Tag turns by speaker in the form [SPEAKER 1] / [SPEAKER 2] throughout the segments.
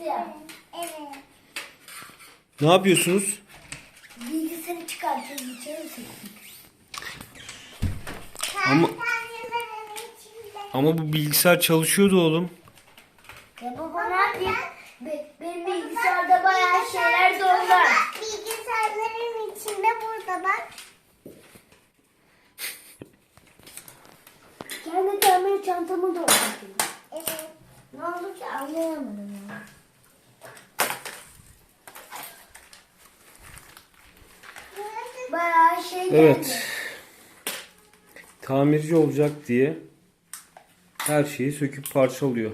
[SPEAKER 1] ya.
[SPEAKER 2] Evet.
[SPEAKER 3] Ne yapıyorsunuz?
[SPEAKER 1] Bilgisayarı çıkartıyoruz. İçeri sıktık.
[SPEAKER 3] Ama
[SPEAKER 2] Kartonların içinde.
[SPEAKER 3] ama bu bilgisayar çalışıyordu oğlum.
[SPEAKER 1] Ya baba ne yapayım? Benim bilgisayarda bayağı şeyler doldu.
[SPEAKER 2] Bak bilgisayarların içinde burada bak.
[SPEAKER 1] Kendi tamir çantamı doldurdum.
[SPEAKER 2] Evet.
[SPEAKER 1] Ne oldu ki anlayamadım ya. Bayağı şey geldi.
[SPEAKER 3] Evet. Tamirci olacak diye her şeyi söküp parçalıyor.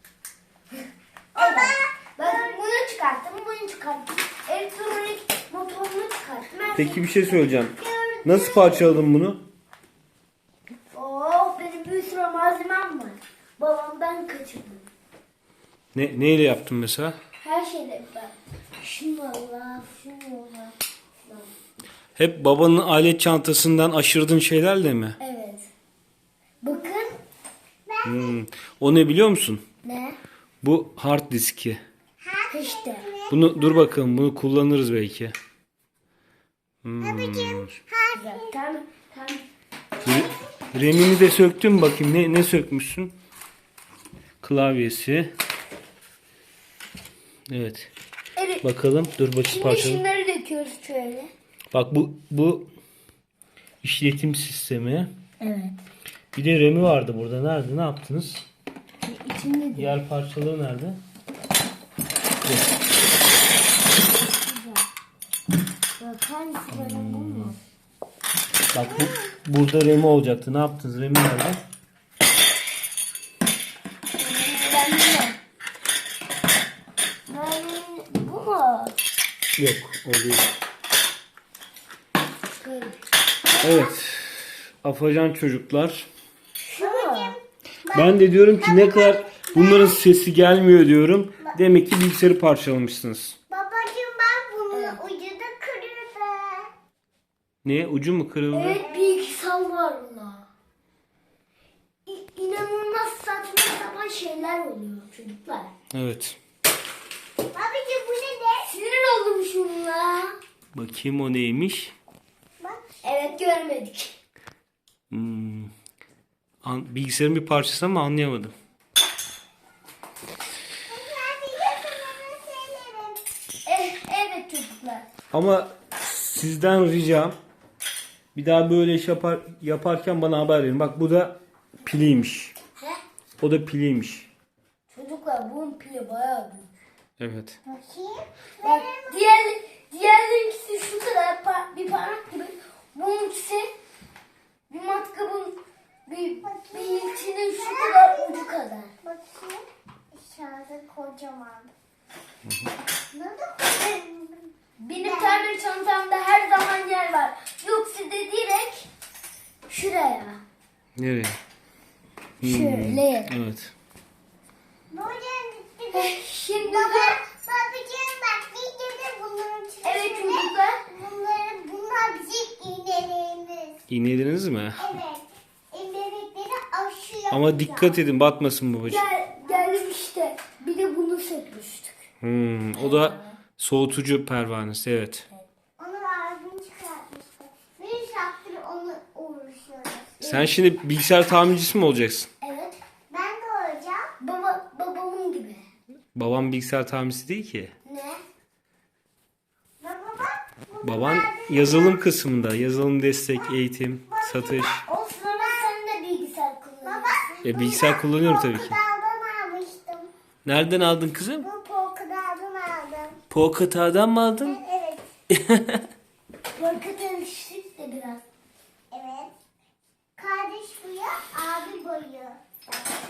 [SPEAKER 1] Evet. Ben bunu çıkarttım, bunu çıkarttım. Elektronik motorunu çıkarttım.
[SPEAKER 3] Peki bir şey söyleyeceğim. Nasıl parçaladın bunu?
[SPEAKER 1] Benim bir sürü malzemem var. Babamdan kaçırdım.
[SPEAKER 3] Neyle yaptın mesela?
[SPEAKER 1] Her şeyle ben. Şunu Allah, şunu Allah.
[SPEAKER 3] Hep babanın alet çantasından aşırdığın şeylerle mi?
[SPEAKER 1] Evet. Bakın.
[SPEAKER 3] O ne biliyor musun?
[SPEAKER 1] Ne?
[SPEAKER 3] Bu hard diski.
[SPEAKER 1] İşte.
[SPEAKER 3] Bunu dur bakalım, bunu kullanırız belki.
[SPEAKER 1] Güzel. Tamam. Tamam.
[SPEAKER 3] Remini de söktüm bakayım. Ne sökmüşsün? Klavyesi. Evet.
[SPEAKER 1] Evet.
[SPEAKER 3] Bakalım. Dur bakayım
[SPEAKER 1] Şimdi
[SPEAKER 3] parçalı.
[SPEAKER 1] şunları döküyoruz şöyle.
[SPEAKER 3] Bak bu işletim sistemi.
[SPEAKER 1] Evet.
[SPEAKER 3] Bir de RAM'i vardı burada. Nerede? Ne yaptınız?
[SPEAKER 1] İçinde de.
[SPEAKER 3] Diğer parçaları nerede?
[SPEAKER 1] Bak hangisi böyle bu mu?
[SPEAKER 3] Bak burada RAM'i olacaktı. Ne yaptınız? RAM'i nerede?
[SPEAKER 1] Ben bilmiyorum. Bu mu?
[SPEAKER 3] Yok. O değil.
[SPEAKER 1] Böyle.
[SPEAKER 3] Evet. Afacan çocuklar.
[SPEAKER 1] Şu mu?
[SPEAKER 3] Ben de diyorum ki ne kadar bunların sesi gelmiyor diyorum. Demek ki bilgisayarı parçalamışsınız.
[SPEAKER 2] Babacığım bak bunun ucu da kırıldı.
[SPEAKER 3] Ne? Ucu mu kırıldı?
[SPEAKER 1] Evet bilgisayar var bunda. İnanılmaz saçma sapan şeyler oluyor çocuklar.
[SPEAKER 3] Evet.
[SPEAKER 2] Babacığım bu ne de?
[SPEAKER 1] Sinir oldum şunla.
[SPEAKER 3] Bakayım o neymiş?
[SPEAKER 2] Bak.
[SPEAKER 1] Evet görmedik.
[SPEAKER 3] Bilgisayarın bir parçası ama anlayamadım.
[SPEAKER 1] Evet çocuklar.
[SPEAKER 3] Ama sizden ricam bir daha böyle iş yaparken bana haber verin. Bak bu da piliymiş.
[SPEAKER 1] He?
[SPEAKER 3] O da piliymiş.
[SPEAKER 1] Çocuklar bunun pili bayağı büyük.
[SPEAKER 3] Evet.
[SPEAKER 2] Bakayım.
[SPEAKER 1] Bak diğerlerinkisi şu kadar bir parmak gibi. Bununkisi bir matkabın bir içinin şu kadar ucu kadar.
[SPEAKER 2] Bakayım. Aşağıda kocaman. Ne de kocaman.
[SPEAKER 1] Benim tamir çantamda her zaman yer var. Yoksa da direkt şuraya.
[SPEAKER 3] Nereye?
[SPEAKER 1] Şöyle.
[SPEAKER 3] Evet.
[SPEAKER 1] Şimdi
[SPEAKER 2] Baba,
[SPEAKER 1] de
[SPEAKER 2] babacığım bak videoda bunların içinde.
[SPEAKER 1] evet çocuklar.
[SPEAKER 2] Bunlar bizim iğnelerimiz.
[SPEAKER 3] İğnelediniz mi?
[SPEAKER 2] Evet. İğnelikleri aşıyor.
[SPEAKER 3] Ama dikkat edin batmasın babacığım.
[SPEAKER 1] Geldim işte. Bir de bunu sökmüştük.
[SPEAKER 3] O da soğutucu pervanesi. Evet.
[SPEAKER 2] Onu ağzını çıkartmıştı. Bir saattir onu uğraşıyoruz.
[SPEAKER 3] Sen şimdi bilgisayar tamircisi mi olacaksın?
[SPEAKER 1] Evet.
[SPEAKER 2] Ben de olacağım.
[SPEAKER 1] Babamın gibi.
[SPEAKER 3] Babam bilgisayar tamircisi değil ki.
[SPEAKER 1] Ne?
[SPEAKER 2] Baba bak.
[SPEAKER 3] Baban yazılım kısmında. Yazılım destek, eğitim, satış.
[SPEAKER 1] Olsun ama sen de bilgisayar kullanıyorsun.
[SPEAKER 3] Bilgisayar kullanıyorum tabii ki.
[SPEAKER 2] Polkadağ'dan almıştım.
[SPEAKER 3] Nereden aldın kızım?
[SPEAKER 2] Bu Polkadağ'dan aldım.
[SPEAKER 3] Pocket'a'dan mı aldın?
[SPEAKER 2] Evet.
[SPEAKER 1] Korku alıştık da biraz.
[SPEAKER 2] Evet. Kardeş boyu, abi boyu.